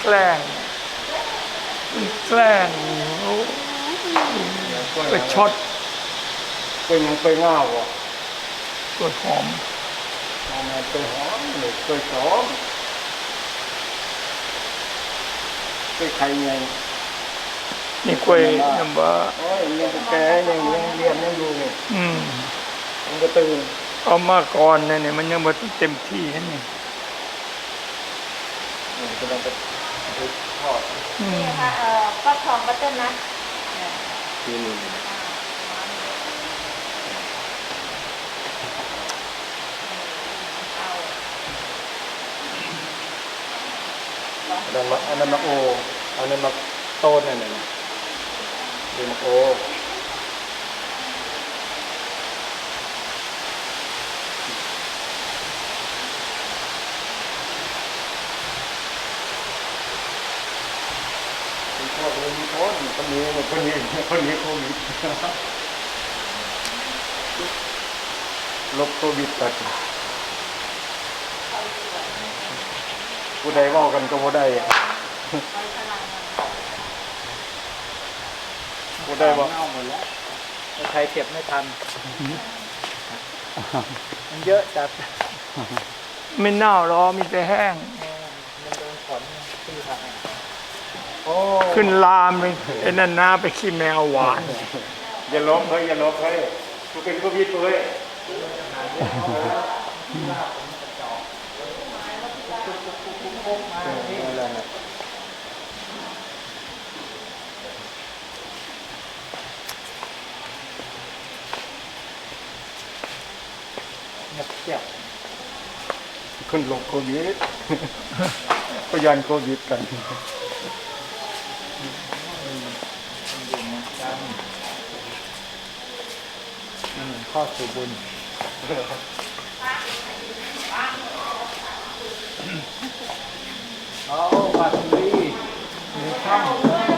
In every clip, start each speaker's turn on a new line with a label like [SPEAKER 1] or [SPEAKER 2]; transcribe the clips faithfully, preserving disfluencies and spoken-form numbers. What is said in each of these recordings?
[SPEAKER 1] แกล้งมันแกล้งไปช็อต
[SPEAKER 2] เป็นยังไปง่าวะ
[SPEAKER 1] ตัวหอม
[SPEAKER 2] มันไปหอมหรือไปสอมไปใครไง
[SPEAKER 1] นี่กล้วยน้ำว้า
[SPEAKER 2] โอ้ยยังแก่ยังยังเรียนยังอยู่ไง
[SPEAKER 1] อืม
[SPEAKER 2] มันก็ตื่น
[SPEAKER 1] เอามาก่อนเนี่ยมันยังไม่เต็มที่นี่
[SPEAKER 2] กำลังจะทอด
[SPEAKER 3] นี่ค่ะเอ่อฟักทองบัตเตอร์นัท
[SPEAKER 2] ที่นี่อันนั้นอันนั้นมะโออันนั้นมะต้นนั่นน่ะดูมะโอคนนี้คนคนนี้คนนี้คนนี้โควิดลบโควิดตัดผู้ใดว่ากันก็ผู้ใดผู้ใดว่าเอาหมดแล้วใครเก็บไม่ทันมันเยอะจัด
[SPEAKER 1] ไม่เน่าหรอมีแต่แห้ง
[SPEAKER 2] มันโดนฝนขึ้นทาง
[SPEAKER 1] ขึ้นลามเลยไอ้นั่นน้าไปขี้แมวหวาน
[SPEAKER 2] อย่าลบเฮ้ยอย่าลบเฮ้ยกูเป็นโควิดเฮ้ยหมดเจ็บคนหลงโควิดก็ยันโควิดกัน
[SPEAKER 1] นั่นข้อสู่บุญ
[SPEAKER 2] เอาปาซีมีข้าว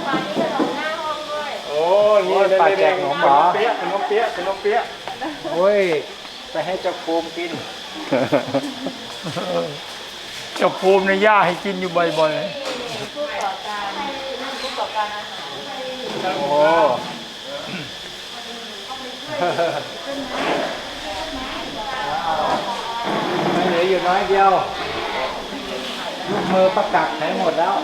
[SPEAKER 2] โอ้นี่ปลาแจกขนมหรอเปี๊ยะขนมเปี๊ยะขนมเปี๊ยะโอ้ยไปให้เจ้าภูมิกิน
[SPEAKER 1] เจ้าภูมิในย่าให้กินอยู่บ่อยๆ
[SPEAKER 3] ผู้ก่อการผู้ก่อการอาหาร
[SPEAKER 2] โอ้ไม่เหลืออยู่น้อยเดียวลูกมือประกาศใช้หมดแล้ว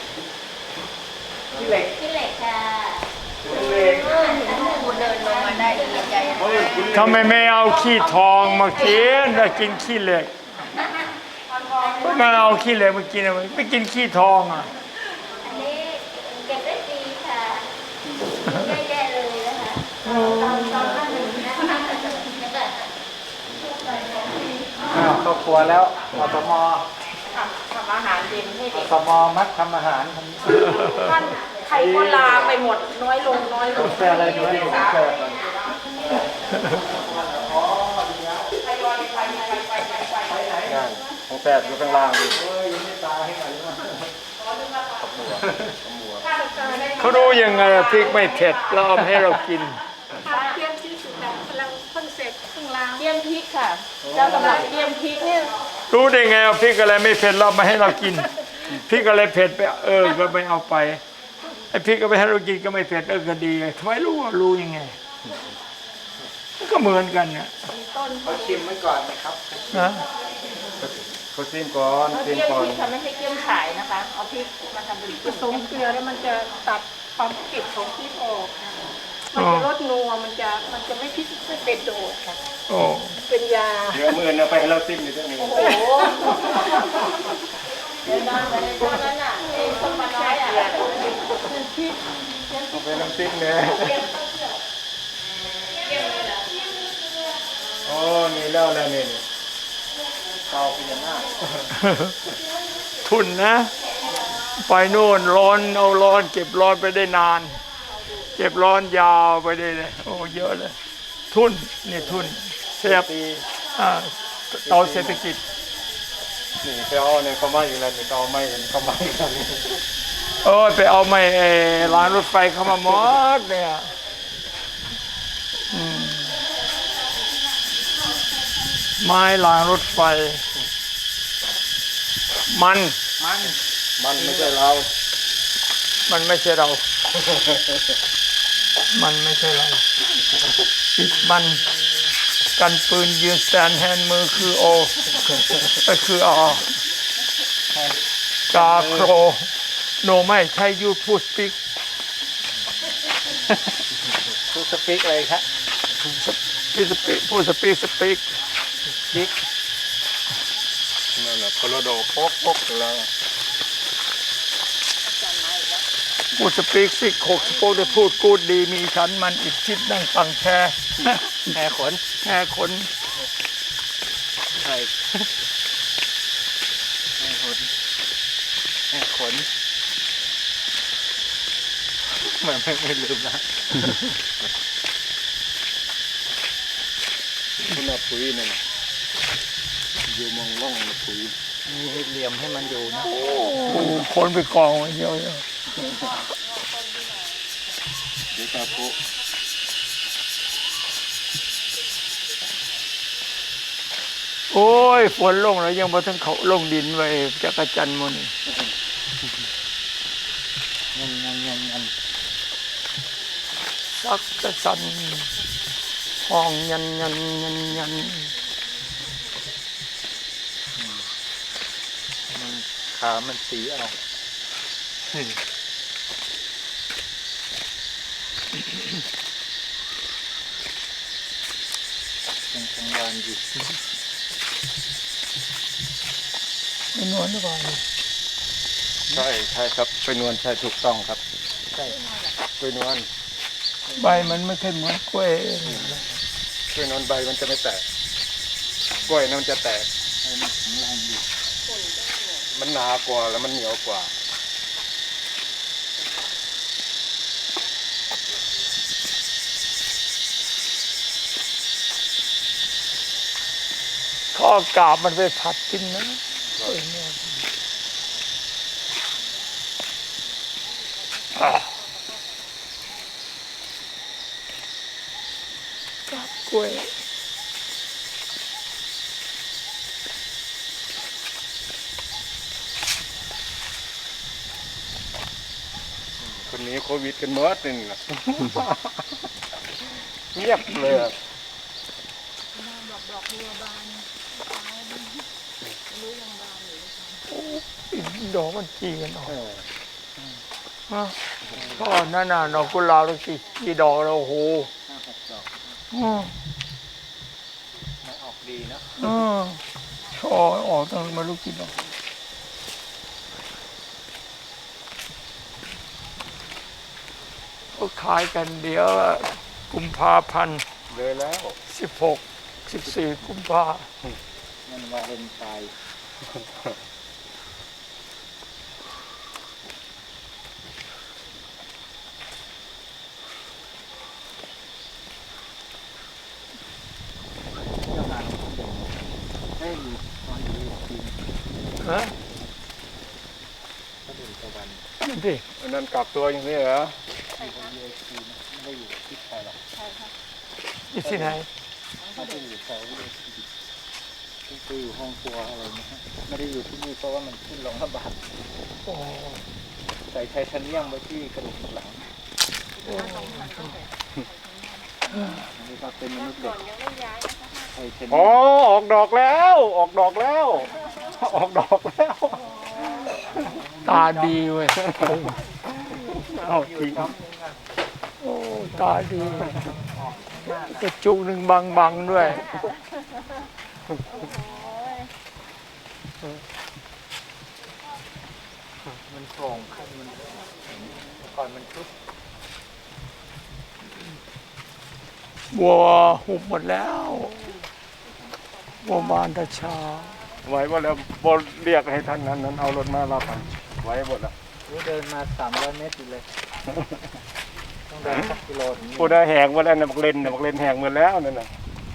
[SPEAKER 2] ที่เหล็ก
[SPEAKER 3] ที่เหล็กค่ะ
[SPEAKER 2] ที่เหล็ก
[SPEAKER 3] คุณเดินลงมาได้ดีใจ
[SPEAKER 1] ทำไมไม่เอาขี้ทองมากินแต่กินขี้เหล็กไม่เอาขี้เหล็กมากินไม่กินขี้ทองอ่ะ
[SPEAKER 3] อันนี้เก็บได้ดีค่ะแย่ๆเลยนะคะตอนตอนนั้น
[SPEAKER 2] อ้าวครอบครัวแล้วอสม
[SPEAKER 3] ทำทำอาหารเย็นให้
[SPEAKER 2] อ
[SPEAKER 3] เด็ก
[SPEAKER 2] สมมัดทำอาหาร
[SPEAKER 3] ท่านใครก็ลาไปหมดน้อยลงน้อยลง
[SPEAKER 2] แค่อะไรน้อยลงแค่ของแปดอยู่ข้างล่างดิ
[SPEAKER 1] เขารู้ยังไงพริกไม่เผ็ดเราเอาให้เรากิน
[SPEAKER 3] เตรียมพริกค่ะกำลังเพิ่งเสร็จเพิ่งล้างเตรียมพริกค่ะเจ้ากำลังเตรียมพริกเนี่ย
[SPEAKER 1] รู้ได้ไงเอาพริกอะไรไม่เผ็ดเรามาให้เรากินพริกอะไรเผ็ดไปเออก็ไม่เอาไปไอ้พริกก็ไปให้เรากินก็ไม่เผ็ดเออก็ดีทำไมรู้ว่ารู้ยังไงก็เหมือนกันเนี่ย
[SPEAKER 2] เขาชิมไว้ก่อนนะครับ
[SPEAKER 1] นะ
[SPEAKER 2] เขาชิมก่อนชิมก่อน
[SPEAKER 3] ทำไม่ให้เกี่ยมขายนะคะเอาพริกมาทำเป็นผสมเกลือแล้วมันจะตัดความเผ็ดของพริกออกมันจะลดนัวมันจะมันจะไม่พริกไม่เป็นโดดค่ะ
[SPEAKER 1] โอ้
[SPEAKER 3] เป็นยา
[SPEAKER 2] เดี๋ยวมือนะไปให้เราซิมอีกสักหนึ่งโอ้โห
[SPEAKER 3] เดี๋ยวตอนตอนนั้นอ่ะเองคนมาน้อยอ่ะเป็นพริก
[SPEAKER 2] เอาไปน้ำซิมเนี่ยโอ้นี่แล้วแล้วนี่เตาเป็นยังไง
[SPEAKER 1] ทุนนะไปโน่นร้อนเอาร้อนเก็บร้อนไปได้นานเก็บร้อนยาวไปได้เลยโอ้เยอะเลยทุนนี่ทุนเสียบเตาเศรษฐกิจ
[SPEAKER 2] นี่ไปเอาเนี่ยเขาไม่อยู่แล้วนี่เขาไม่เห็นเขาไม่กัน
[SPEAKER 1] เออไปเอาไม่ร้านรถไฟเข้ามาหมดเนี่ยไม้รางรถไฟมัน
[SPEAKER 2] มันมันไม่ใช่เรา
[SPEAKER 1] มันไม่ใช่เรา มันไม่ใช่เราปิดมันกันปืนยืนแซนแฮนมือคือโอก็คืออกาโครโนไม่ใช่ยูพูดสปิก
[SPEAKER 2] พูดสปีกอะไรครับ
[SPEAKER 1] พูดสปิกพูดสปิกสปิก
[SPEAKER 2] บิ๊กนั่นแหละโคโลโดโป๊กโป๊กอยู่แล้ว
[SPEAKER 1] พูดสปิกสิโคกสโปกได้พูดกูดดีมีฉันมันอีกชิดนั่งฟังแค่
[SPEAKER 2] แห่ขน
[SPEAKER 1] แค่คน
[SPEAKER 2] ใช่แห่ขนแห่ขนมันไม่ไม่ลืมนะคุณเอาปุ๋ยนั่นน่ะอยู่มองล่องนะปุ๋ยมีเหลี่ยมให้มันอยู่นะ
[SPEAKER 1] โอ้คนไปกองไว้เยอะ
[SPEAKER 2] เดี๋ยวตาปุ๊
[SPEAKER 1] โอ้ยฝนลงแล้วยังบ่ทั้งเขาลงดินไว้จักรจันทร์หมัน
[SPEAKER 2] งันงันงันงัน
[SPEAKER 1] สักกระสันห้องยันยันยันยัน
[SPEAKER 2] มันขามันสีเอายังทำงานอยู่
[SPEAKER 1] ไม่นวลหรือเปล่า
[SPEAKER 2] ใช่ใช่ครับไปนวลใช่ถูกต้องครับใช่ไปนวล
[SPEAKER 1] ใบมันไม่เคยเหมือนกล้วย
[SPEAKER 2] ไปนวลใบมันจะไม่แตกกล้วยนั่นมันจะแตกมันแข็งแรงอยู่มันหนากว่าแล้วมันเหนียวกว่า
[SPEAKER 1] เขาเอากาบมันไปผัดกินนะกล้วยเนี่ยอ่ะกาบกล้วย
[SPEAKER 2] คนนี้โควิดกันเมิดนี่นะ เงียบเลยอะ
[SPEAKER 1] ดอกมันจีกันออก
[SPEAKER 2] เออ
[SPEAKER 1] ฮะก็นั่นน่ะดอกกุหลาบตั้งกี่กี่ดอกแล้วโอ้โห
[SPEAKER 2] ห้าหกดอก
[SPEAKER 1] อืม
[SPEAKER 2] มันออกดีนะ
[SPEAKER 1] อืมช่อออกตั้งไม่รู้กี่ดอกก็ขายกันเดี๋ยวกุมภาพันธ์
[SPEAKER 2] เลยแล้ว
[SPEAKER 1] สิบหกสิบสี่กุมภา
[SPEAKER 2] มันวาเลนไทน์ให้อยู่ตอนอยู่จริง
[SPEAKER 1] ฮะ
[SPEAKER 2] ก็ดูตะวัน
[SPEAKER 1] นั่นดิ
[SPEAKER 2] อันนั้นกลับตัวอย่างนี้เหรอใช่ครับไม่ได้อยู่ที่ไทยหรอก
[SPEAKER 1] นี่ที่ไหน
[SPEAKER 2] ไม่ได้อยู่แถวเลยไปอยู่ห้องครัวอะไรนะฮะไม่ได้อยู่ที่นี่เพราะว่ามันขึ้นลงลำบาก
[SPEAKER 1] โอ้
[SPEAKER 2] ใส่ไทเทเนียมไว้ที่กระดูกสันหลังอันนี้ก็เป็นมนุษย์เด็กไทเทเนียมอ๋อออกดอกแล้ว ออกดอกแล้ว ออกดอกแล้ว
[SPEAKER 1] ตาดีเว้ย
[SPEAKER 2] เอาจริง
[SPEAKER 1] โอ้ตาดีกระจุกหนึ่งบางบังๆด้วย
[SPEAKER 2] มันโปร่งขึ้นมันก่อนมันชุบ
[SPEAKER 1] บัวหุบหมดแล้วบัวบานตะชา
[SPEAKER 2] ไว้หมดแล้วบนเรียกให้ท่านนั้นนั้นเอารถมารับไปไว้หมดแล้ว
[SPEAKER 4] เดินมาสามร้อยเมตรอยู่เลย ต้องเดินสักกิโลถึง
[SPEAKER 2] กูได้แหกหมดแล้วนะบักเลนนะบักเลนแหกหมดแล้วนั่นน่ะ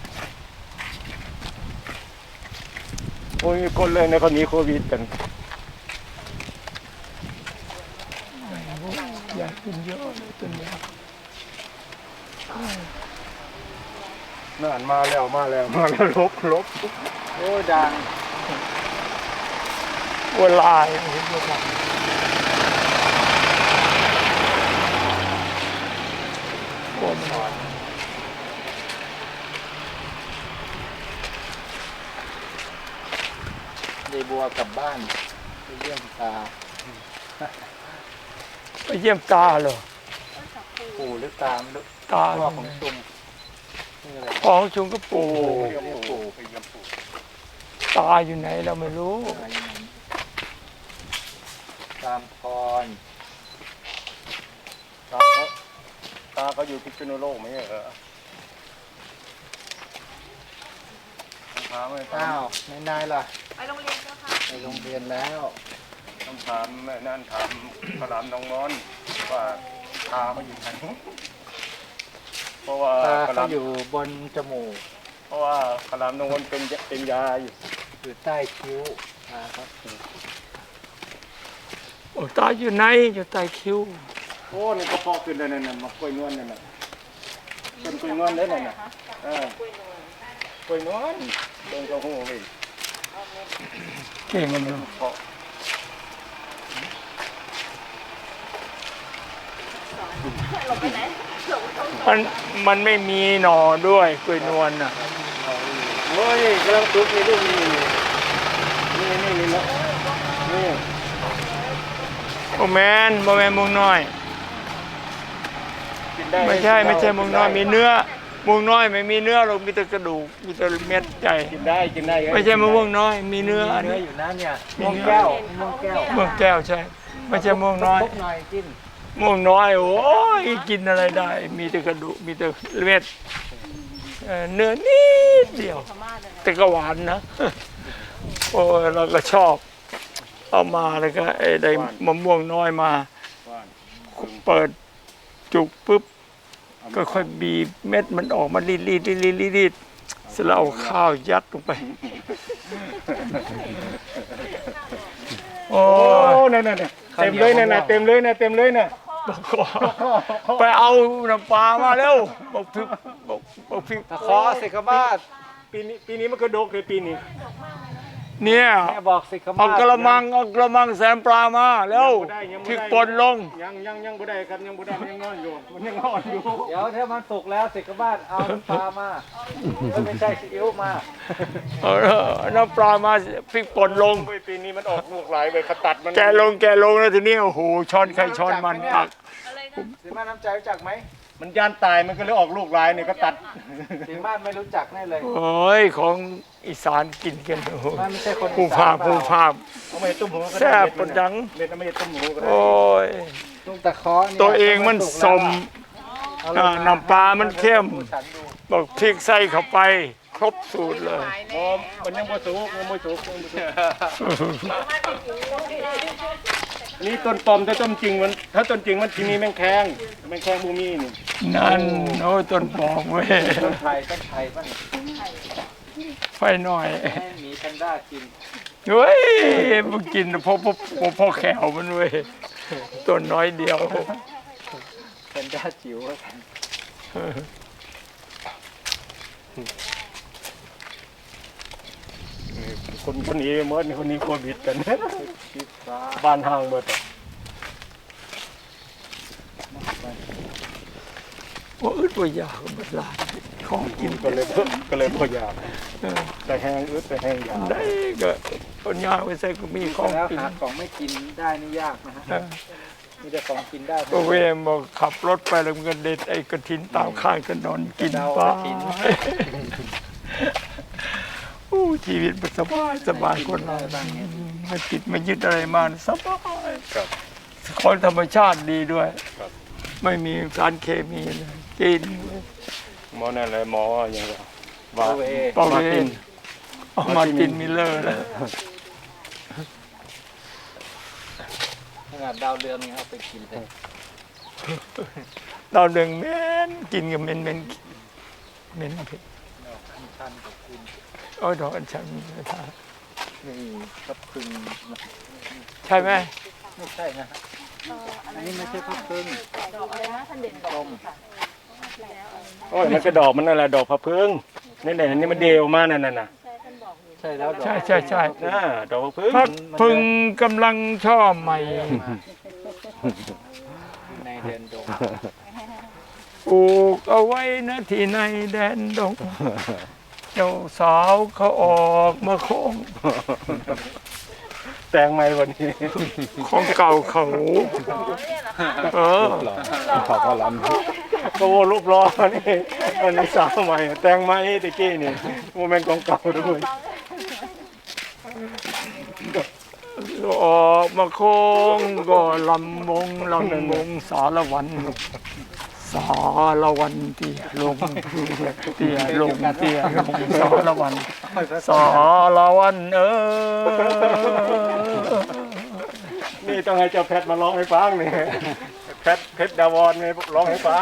[SPEAKER 2] โอ้ยมีคนเลยในคนนี้โควิดกัน
[SPEAKER 1] อยากกินเยอะเลยตัวเนี้ย
[SPEAKER 2] นั่นมาแล้วมาแล้วมาแล้วลบลบ
[SPEAKER 4] โอ้ดัง
[SPEAKER 1] บัวลายเห็นบัวลายกลัวมัน
[SPEAKER 4] เดบัวกลับบ้านไปเยี่ยมตา
[SPEAKER 1] ไปเยี่ยมตาเหรอ
[SPEAKER 4] ปู่หรือตามหรือ
[SPEAKER 1] ตา
[SPEAKER 4] พ่อของชุมนี่อะไร
[SPEAKER 1] พ่อของชุมก็ปู่
[SPEAKER 2] เรียกปู่ไปเยี่ยมปู่
[SPEAKER 1] ตาอยู่ไหนเราไม่รู้
[SPEAKER 4] อะไรอย่างนั้นตามพร
[SPEAKER 2] ตาเขาตาเขาอยู่พิษณุโลกไหมเหรอถามเลย
[SPEAKER 4] อ้าวในนายล่ะ
[SPEAKER 3] ไปโรงเรียนเจ้าค่ะ
[SPEAKER 4] ไปโรงเรียนแล้ว
[SPEAKER 2] ต้องถามแม่นั่นถามขลามน้องนอนว่าตาเขาอยู่ไหนเพราะว่า
[SPEAKER 4] ตา
[SPEAKER 2] ขลา
[SPEAKER 4] เขา
[SPEAKER 2] ม
[SPEAKER 4] อยู่บนจมูก
[SPEAKER 2] เพราะว่าขลามน้องนอนเป็นเป็นยาอยู่
[SPEAKER 4] อยู่ใต้คิ้วตาครับ
[SPEAKER 1] โอ้ตาอยู่ไหนอยู่ใต้คิ้ว
[SPEAKER 2] โอ้นี่ก็พอขึ้นแล้วนั่นน่ะมากล้วยนวลนั่นน่ะต้นกล้วยนวลเลยนั่นน่ะเออกล้วยนวลต้นกระหูเว้ย
[SPEAKER 1] เก่งมันเนอะ
[SPEAKER 2] เพาะ
[SPEAKER 1] มันมันไม่มีหน่อด้วยกล้วยนวลน่ะ
[SPEAKER 2] โอ้ยกำลังตุกนี่ลูกนี่นี่นี่นี่นะนี่
[SPEAKER 1] โอแมนโมแมนมุงน้อย
[SPEAKER 2] กินได้
[SPEAKER 1] ไม่ใช่ไม่ใช่มุงน้อยมีเนื้อมุงน้อยไม่มีเนื้อหรอกมีแต่กระดูกมีแต่เม็ดใหญ่
[SPEAKER 2] กินได้กินได้
[SPEAKER 1] ไม่ใช่มะม่วงน้อย มีเนื้ออัน
[SPEAKER 4] เนื้อ
[SPEAKER 1] นี้
[SPEAKER 4] อยู่นะเนี่ย
[SPEAKER 1] มี
[SPEAKER 4] ม่วง
[SPEAKER 1] เนื้อ
[SPEAKER 4] แก้วม่วงแก้ว
[SPEAKER 1] ม่วงแก้วใช่ ไม่ใช่ม่วงน้อย
[SPEAKER 4] ทุกหน่อยกิน
[SPEAKER 1] ม่วงน้อยโอ้ยกินอะไรได้ มีแต่กระดูกมีแต่เม็ดเอ่อเนื้อนิดเดียว แต่ก็หวานนะ โอ้ยเราก็ชอบ เอามาแล้วก็ไอ้ได้มะม่วงน้อยมา
[SPEAKER 2] ว่าน
[SPEAKER 1] เปิดจุกปุ๊บ ก็ค่อยบีบเม็ดมันออกมารีดรีดรีดรีดรีดเสร็จแล้วเอาข้าวยัดลงไป โอ้
[SPEAKER 2] โอ้
[SPEAKER 1] ย
[SPEAKER 2] นั่นน่ะเต็มเลยน่ะเต็มเลยน่ะเต็มเลยน่ะ
[SPEAKER 1] ไปเอาน้ำปลามาเร็วบอกพริกบอกบอกพริก
[SPEAKER 4] ตะขอสิกมาศ
[SPEAKER 2] ปีนี้ปีนี้มันก็โดกเลยปีนี้
[SPEAKER 1] เนี่ย
[SPEAKER 4] แม่บอกสิกมาศ
[SPEAKER 1] เอากระมังเอากระมังแสนปลามาแล้วพริกป่นลง
[SPEAKER 2] ยังยังยังบ่ได้ครับยังบ่ได้มันยังนอนอยู่มันยังนอนอยู่
[SPEAKER 4] เดี๋ยวถ้ามันสุกแล้วสิกมาศเอาน้ำปลามาไม่ใช่ซีอิ๊วมา
[SPEAKER 1] เอาน้ำปลามาพริกป่นลง
[SPEAKER 2] โอ้ยปีนี้มันออกลูกหลายไปขตัดมัน
[SPEAKER 1] แกลงแกลงแล้วทีนี้โอ้โหช้อนใครช้อนมันตัก
[SPEAKER 4] สิมาน้ำใจรู้จักไหม
[SPEAKER 2] มันย่านตายมันก็เลยออกลูกหลายนี่ก็ตัด
[SPEAKER 4] สิมาไม่รู้จักแน่เลย
[SPEAKER 1] โอ้ยของอีสานกินกันโอ้โห
[SPEAKER 4] มันไม่ใช่คน
[SPEAKER 1] ผู้ภาคผู้ภาค
[SPEAKER 2] เอาไม่ตุ้มหูก็ได้
[SPEAKER 1] แซ่บปนดัง
[SPEAKER 2] เม็ดเอาไม่ตุ้มหูก็ได้
[SPEAKER 1] โอ้ย
[SPEAKER 4] ลุงตะขอเนี่ย
[SPEAKER 1] ตัวเองมันสม
[SPEAKER 4] เอาลง
[SPEAKER 1] อ่าน้ำปลามันเข้ม
[SPEAKER 4] ฉันดู
[SPEAKER 1] บอกพริกใส่เข้าไป ครบสูตรเลย
[SPEAKER 2] อ๋อมันยังบ่สุกยังบ่สุกยังบ่สุกนี่ต้นปอมแต่ต้นจริงมันถ้าต้นจริงมันที่มีแมงแคงแมงแคงบูมีนี่
[SPEAKER 1] นั่นโอ้ยต้นปอกเว้ย
[SPEAKER 4] ต้นไทยต้นไทยบ้าง
[SPEAKER 1] ไฟหน่อย
[SPEAKER 4] ให้หมีแพนด้ากิน
[SPEAKER 1] เฮ้ยมันกินพอพอพอพอแขวมันเว้ยต้นน้อยเดียว
[SPEAKER 4] แพนด้าจิ๋วแล้วกัน
[SPEAKER 2] คนคนนี้เมื่อนี่คนนี้โควิดกัน
[SPEAKER 4] ชีฟ้า
[SPEAKER 2] บ้านห่างเบิดอะ
[SPEAKER 1] ว่าอึดว่าอยากบัดลาดของกิน
[SPEAKER 2] ก็เลยก็เลยพอยาก
[SPEAKER 1] เออ
[SPEAKER 2] แต่แห้งอึดแต่แห้งยาก
[SPEAKER 1] ได้ก็คนยากไปใส่ก็มีของ
[SPEAKER 4] แล้ว
[SPEAKER 1] กิน
[SPEAKER 4] หาของไม่กินได้นี่ยากนะฮะ
[SPEAKER 1] เออ
[SPEAKER 4] มีแต่ของกินได้
[SPEAKER 1] ก็เวมบอกขับรถไปแล้วมันก็เด็ดไอ้กระถินตามข้างถนนกินไปอู้ชีวิตมันสบายสบายคนเราไม่ติดไม่ยึดอะไรมาสบาย
[SPEAKER 2] ครับ
[SPEAKER 1] ของธรรมชาติดีด้วย ไม่มีสารเคมีเลยกิน
[SPEAKER 2] หมอนั่นเลยหมออย่างว่า
[SPEAKER 4] โอเว
[SPEAKER 1] ปอเวนเอามาตินมิลเลอร์แล้ว
[SPEAKER 4] ขนาดดาวเรืองยังเอาไปกินเลย
[SPEAKER 1] เราเดืองเหม็นกินกับเหม็นเหม็นเหม็นเผ็ด
[SPEAKER 4] ชันกับคุณ
[SPEAKER 1] โอ้ยดอกอัญชันไม่ทาน
[SPEAKER 4] นี่กับพึง
[SPEAKER 1] ใช่ไหม
[SPEAKER 4] ไม่ใช่นะฮะอันนี้ไม่ใช่พับพึงต้ม
[SPEAKER 2] โอ้ยมันก็ดอกมันนั่นแหละดอกพะพึ่งนี่แหละนี่มันเดวมานั่นน่ะน่ะ
[SPEAKER 4] ใช่แล้วดอก
[SPEAKER 1] ใช่ใช่ใช่
[SPEAKER 2] น่าดอกพะพึ่ง
[SPEAKER 1] พัดพึงกำลังชอบใหม่
[SPEAKER 4] ในเดือนดง
[SPEAKER 1] ปลูกเอาไว้นะที่ในแดนดง เจ้าสาวเขาออกมาโค้ง
[SPEAKER 2] แต่งใหม่วันนี้
[SPEAKER 1] ของเก่าเขาเออ
[SPEAKER 2] ขอบคุณลำก็โวรูปรอนี่วันนี้สาวใหม่แต่งใหม่ตะกี้นี่โมเมนต์ของเก่าด้วย
[SPEAKER 1] ออกมาโค้งก็ลำวงลำวงสารวัน สารวันเตี้ยลงเตี้ยลงเตี้ยลงสารวันสารวันเออ
[SPEAKER 2] นี่ต้องให้เจ้าแพทมาร้องให้ฟังนี่แพทเพชรดาวอนนี่ร้องให้ฟัง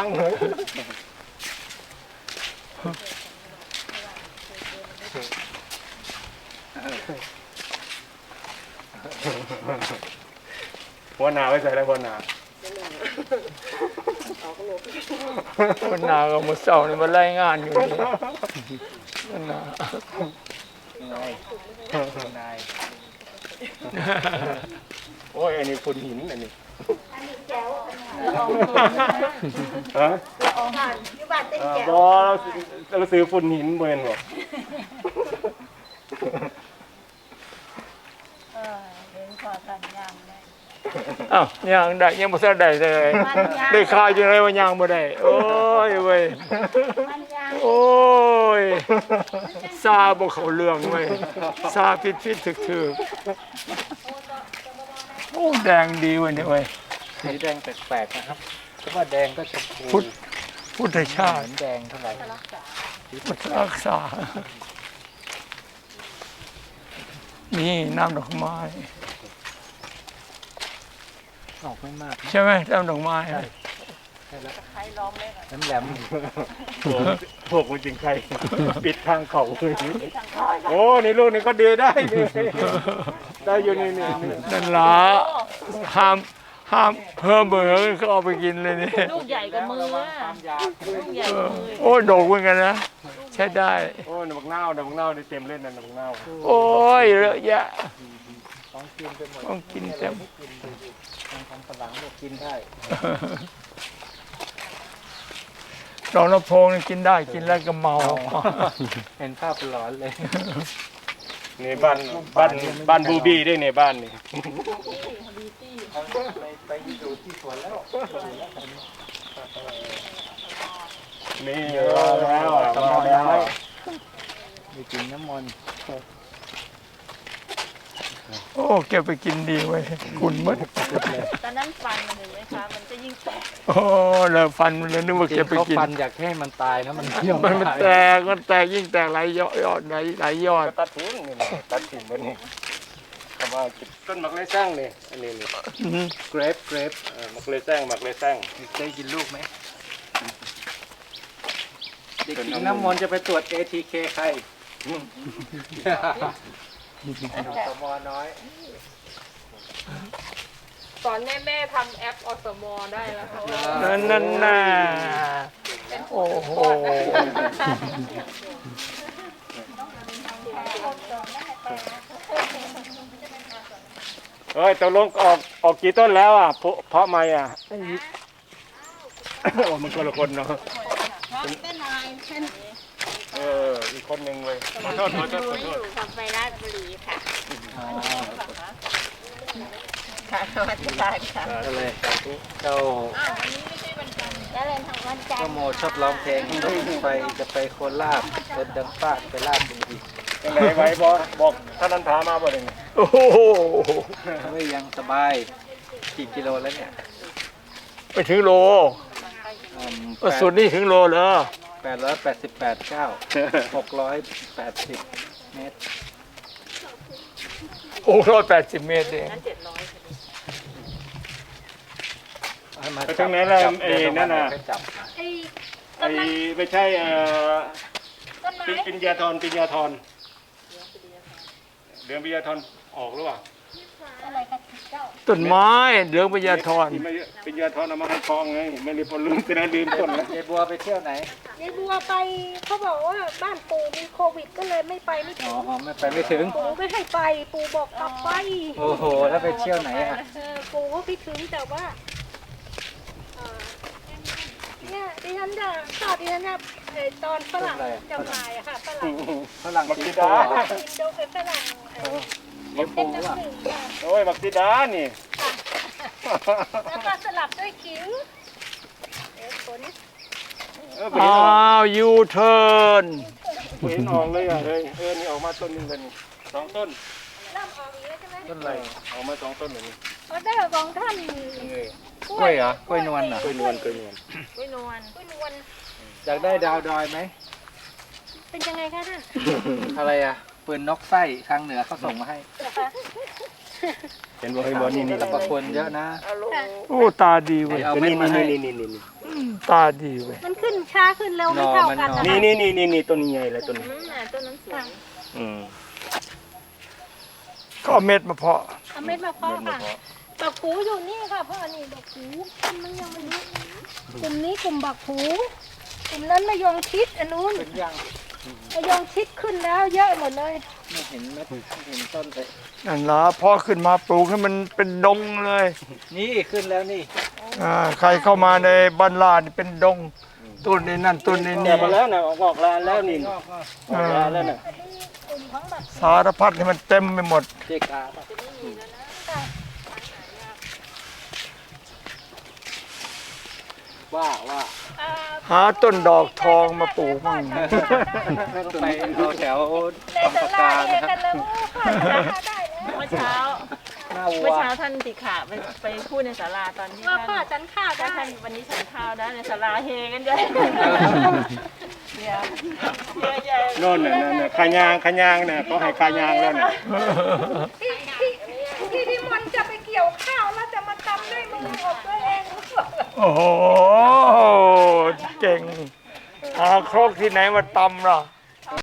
[SPEAKER 2] หัวหน้าไว้ใส่แล้วหัวหน้า
[SPEAKER 1] คนหนาก็มาเศร้านี่มาไล่งานอยู่นี่คนหนา
[SPEAKER 4] นายนาย
[SPEAKER 2] โอ้ยอันนี้ฝุ่นหินอันนี้
[SPEAKER 3] อันนี้แจ๋ว
[SPEAKER 2] ฮะ
[SPEAKER 3] ออกผ่านยุบัตเต้น
[SPEAKER 2] อ่า
[SPEAKER 3] แจ๋
[SPEAKER 2] บ
[SPEAKER 3] ว
[SPEAKER 2] อเราเราซื้อฝุ่นหินเมือนบอก
[SPEAKER 3] เออเห็นขอกันยางได้
[SPEAKER 1] อ้าวยังได้ยังบ่ทันได้เลยได้ข่าวจังไดว่ายังบ่ได้โอ้ยเว้ย
[SPEAKER 3] มันยาง
[SPEAKER 1] โอ้ยซาบ่เข้าเรื่องเว้ยซาผิดผิดถึกถึกโอ้แดงดีเว้ยเนี่ยเว้ย
[SPEAKER 4] สีแดงแปลกๆนะครับเพราะว่าแดงก็ชมพู
[SPEAKER 1] พุทธพุทธชา
[SPEAKER 4] เห
[SPEAKER 1] ติ
[SPEAKER 4] มือนแดงเท่าไหร่
[SPEAKER 1] พุทธรักษานี่น้ำดอกไม้
[SPEAKER 4] ออกไม่มาก
[SPEAKER 1] ใช่ไหมน้ำดอกไม้
[SPEAKER 4] แหลมแหลม
[SPEAKER 2] พวกพวกมันจริงใครปิดทางเขาเลยโอ้นี่ลูกนี่ก็เดือได้เลยได้อยู่นี่นี่นี่
[SPEAKER 1] นั่นละห้ามห้ามเพิ่มเบอร์เขาเอาไปกินเลยนี่
[SPEAKER 5] ลูกใหญ่กว่ามืออะ
[SPEAKER 4] ความยาว
[SPEAKER 5] ลูกใหญ่
[SPEAKER 1] เอก อ
[SPEAKER 5] ว่ามือ
[SPEAKER 1] โอ้โดกเหมือนกันนะ ใช้ได้
[SPEAKER 2] โอ้หนักเน่าหนักเน่าได้เต็มเล่นนะหนักเน่า
[SPEAKER 1] โอ้ยเยอะแยะ
[SPEAKER 4] ของกินไปหมด
[SPEAKER 1] ต้องกินเต็ม
[SPEAKER 4] ของทำฝรั่งก็กินได้
[SPEAKER 1] ดอกน้ำโพงนี่กินได้กินแล้วก็เมา
[SPEAKER 4] เห็นภาพหลอนเลย
[SPEAKER 2] นี่บ้านบ้านบ้านบูบี้ด้วยเนี่ยบ้านนี่
[SPEAKER 4] ไปไปอยู่ที่สวนแล้ว
[SPEAKER 2] นี่รอแล้วอ่ะมาแล้ว
[SPEAKER 4] มีกินน้ำมนต์
[SPEAKER 1] โอ้เก็บไปกินดีเว้ยคุณมด
[SPEAKER 5] ตอนนั้นฟันมันเห็นไหมคะ มันจะยิ่งแตก
[SPEAKER 1] โอ้แล้วฟันมันเลยนึกว่า
[SPEAKER 4] จริ
[SPEAKER 1] เก็บ
[SPEAKER 4] ง
[SPEAKER 1] ไป
[SPEAKER 4] เขา
[SPEAKER 1] กิน
[SPEAKER 4] ฟันอยากให้มันตายนะมันเที่ยว
[SPEAKER 1] มันมัน
[SPEAKER 4] ไได้
[SPEAKER 1] แตกมันแตกยิ่งแตกหลายยอดยอดหลายหลายยอด
[SPEAKER 2] ตัดทิ้งนี่นะตัดทิ้งบนนี้คำว่าต้นหมักเลยสร้างนี่อันนี้นี่
[SPEAKER 1] อืม
[SPEAKER 2] เกรปเกรปหมักเลยสร้างหมักเลยสร้าง
[SPEAKER 4] ได้กินลูกไหมเด็กกินน้ำมนต์จะไปตรวจ เอ ที เค ใครสมอน้อย
[SPEAKER 5] สอนแม่แม่ทำแอปอสมอได้แล้วเขา
[SPEAKER 1] นั่นนั่นน่ะโอ้โห
[SPEAKER 2] เฮ้ยตกลงออกออกกี่ต้นแล้วอ่ะเพราะเพราะไม่อ่ะโอ้มันคนละคนเนาะ
[SPEAKER 3] เป็นนายเป็น
[SPEAKER 2] เอออีกคนหนึ่งเลยขอโทษขอโทษขอโทษ
[SPEAKER 3] ขับไปราชบุรีค่ะค่ะสวัสดีค่ะ
[SPEAKER 4] ก็เลยเจ้า
[SPEAKER 3] แล้วเลยทางวันจันท
[SPEAKER 4] เจ้า
[SPEAKER 3] ร์
[SPEAKER 4] โมชอบร้องเพลงไปจะไปโคราชรถดังฟาดไปลาดบุรี
[SPEAKER 2] ยังไงไว้บอกบอกท่านนันทามาบ่ได้ไง
[SPEAKER 1] โอ้โห
[SPEAKER 4] ไม่ยังสบายกี่กิโลแล้วเนี่ย
[SPEAKER 1] ไปถึงโลกระสุนนี่ถึงโลเหรอ
[SPEAKER 4] แปดร้อยแปดสิบแปดเก้าหกร้อยแปดสิบเมตร
[SPEAKER 1] โอ้ร้อยแปดสิบเมตรเอง
[SPEAKER 5] นั้นเจ็ดร้อย
[SPEAKER 4] ให้มา
[SPEAKER 2] ไปถึงไหนแล้วไอ้นั่นน่ะ
[SPEAKER 4] ไปจับ
[SPEAKER 3] ไอ้
[SPEAKER 2] ไอ้ไม่ใช่เอ่อ
[SPEAKER 3] ต้นไม้
[SPEAKER 2] ปิปิญญาธรปิญญาธรเดือนปิญญาธรออกหรือเปล่า
[SPEAKER 3] อะไรกันเจ้า
[SPEAKER 1] ต้นไม้เหลืองพญาธร
[SPEAKER 2] ที่ไม่ปิญญาธรเอามาให้คลองไงไม่รีบลืมไปนะลืมต้นแล้ว
[SPEAKER 4] ยายบัวไปเที่ยวไหน
[SPEAKER 3] ยายบัวไปเขาบอกว่าบ้านปู่มีโควิดก็เลยไม่ไปไม่
[SPEAKER 4] อ๋
[SPEAKER 3] ถึ
[SPEAKER 4] อง ไม่ไปไม่ถึง
[SPEAKER 3] ปู่ไม่ให้ไป ปู่บอกกลับไป
[SPEAKER 4] โอ้โห แล้วไปเที่ยวไหนอ่ะ
[SPEAKER 3] เออปู่ก็ไปถึงแต่ว่าเอ่อเนี่ยดิฉันจะชอบดิฉันจะไอ้ตอนฝรั่งจำหน่ายอะค่ะฝรั่ง
[SPEAKER 4] ฝรั่ง
[SPEAKER 2] บัก
[SPEAKER 4] สี
[SPEAKER 2] ซิ
[SPEAKER 4] ดา
[SPEAKER 2] ดา
[SPEAKER 3] อินโดเป็นฝรั่งเอ่อ
[SPEAKER 4] เลี้ยงปู
[SPEAKER 3] เป็น
[SPEAKER 4] อ่ะ
[SPEAKER 3] น้ำหนึ่งค่ะ
[SPEAKER 2] โอ้ยบักซิดานี่
[SPEAKER 3] แล้วก็สลับด้วยขิงเอ๊ะผล
[SPEAKER 2] เออไปเห็น
[SPEAKER 1] อ้า
[SPEAKER 2] ออก
[SPEAKER 1] วยูเทิร์น
[SPEAKER 2] ไปเห็นออกเลยอ่ะเฮ้ยเออนี่ออกมาต้นหนึงเลยนี่สองต้น
[SPEAKER 3] เริ่มออกอีกแล้วใช่ไหม
[SPEAKER 2] ต้นอะไรออกมาสองต้นเลยนี่
[SPEAKER 3] ออเดอร์ของท่าน
[SPEAKER 4] กล้วยเหรอ กล้วยนวลเหรอ
[SPEAKER 2] กล้วยนวลกล้วยนวล
[SPEAKER 5] ไม่นวล
[SPEAKER 3] กล้วยนวล
[SPEAKER 4] อยากได้ดาวดอยไหม
[SPEAKER 3] เป็นยังไงคะท่าน
[SPEAKER 4] อะไรอ่ะปืนนกไส้ทางเหนือเขาส่งมาให้
[SPEAKER 3] เหรอคะ
[SPEAKER 2] เห็นบ่เห็นบ่นี่นี่
[SPEAKER 4] สรรพคุณเยอะนะ
[SPEAKER 5] อารมณ์
[SPEAKER 1] โอ้ตาดีเว้ย
[SPEAKER 4] เอาเม็ด
[SPEAKER 2] นี่
[SPEAKER 4] มาให้
[SPEAKER 2] นี่นี่นี่นี่
[SPEAKER 1] ตาดีเว้ย
[SPEAKER 3] มันขึ้นช้าขึ้นเร็วไม่เท่ากันนะ
[SPEAKER 2] นี่นี่นี่นี่นี่ต้นนี้ใหญ่เลยต้นนี้
[SPEAKER 5] อืมน่ะต้นนั้นสวย
[SPEAKER 2] อืม
[SPEAKER 1] ก็เอาเม็ดมาเพาะ
[SPEAKER 3] เอาเม็ดมาเพาะค่ะบักผูอยู่นี่ค่ะพ่อนี่บักผูมันยังไม่รู้กลุ่มนี้กลุ่มบักผูกลุ่มนั้นมะยงชิดอันนู้น
[SPEAKER 4] เป็นยัง
[SPEAKER 3] มะยงชิดขึ้นแล้วเยอะหมดเลย
[SPEAKER 4] ไม่เห็นเม็ดไม่เห็นต้นเลย
[SPEAKER 1] นั่นละพอขึ้นมาปลูกให้มันเป็นดงเลย
[SPEAKER 4] นี่ขึ้นแล้วนี่
[SPEAKER 1] อ่าใครเข้ามาในบ้านลาดนี่เป็นดงต้นนี้นั่นต้นนี้
[SPEAKER 2] แต
[SPEAKER 1] นี่
[SPEAKER 2] กมาแล้วนะออกออกลานแล้วนี่
[SPEAKER 4] งอกก็
[SPEAKER 2] ออกลานแล้วน่ะ
[SPEAKER 3] อันนี้กลุ่มของบัก
[SPEAKER 1] สารพัดให้มันเต็มไปหมด
[SPEAKER 4] เจกาป่ะว่าว่า
[SPEAKER 3] อ่า
[SPEAKER 1] หาต้นดอกทองมาปลูกมั่ง
[SPEAKER 4] ต้องไปเอาแถว
[SPEAKER 3] ใน
[SPEAKER 4] บาง
[SPEAKER 3] ต
[SPEAKER 4] ปะ
[SPEAKER 3] ลาด
[SPEAKER 4] การ
[SPEAKER 3] เอ
[SPEAKER 4] นะค
[SPEAKER 3] กั
[SPEAKER 4] รับ
[SPEAKER 3] นเลยว่าพ่อจะได้แล้ว
[SPEAKER 5] เมื่อเช้า
[SPEAKER 4] หน้าวั
[SPEAKER 5] เมื่อ
[SPEAKER 4] ว
[SPEAKER 5] เช้าท่านติขาไปไปพูดในศาลาตอนที่
[SPEAKER 3] ว่า
[SPEAKER 5] ท่าน
[SPEAKER 3] พ่อฉันข้าว
[SPEAKER 5] ถ้า
[SPEAKER 3] ได้
[SPEAKER 5] ท่านวันนี้ฉันข้าวได้ในศาลาเฮกันใหญ่เนี่ยเยอะแยะ
[SPEAKER 2] โน่นน่ะนั่นน่ะขายางขายางน่ะเขาให้ขายางแล้วน่ะ
[SPEAKER 3] ที่ที่ที่ที่มันจะไปเกี่ยวข้าวแล้วจะมาทำด้วยมือของตัวเอง
[SPEAKER 1] โอ้โหเก่งหาครกที่ไหนมาตำล่ะ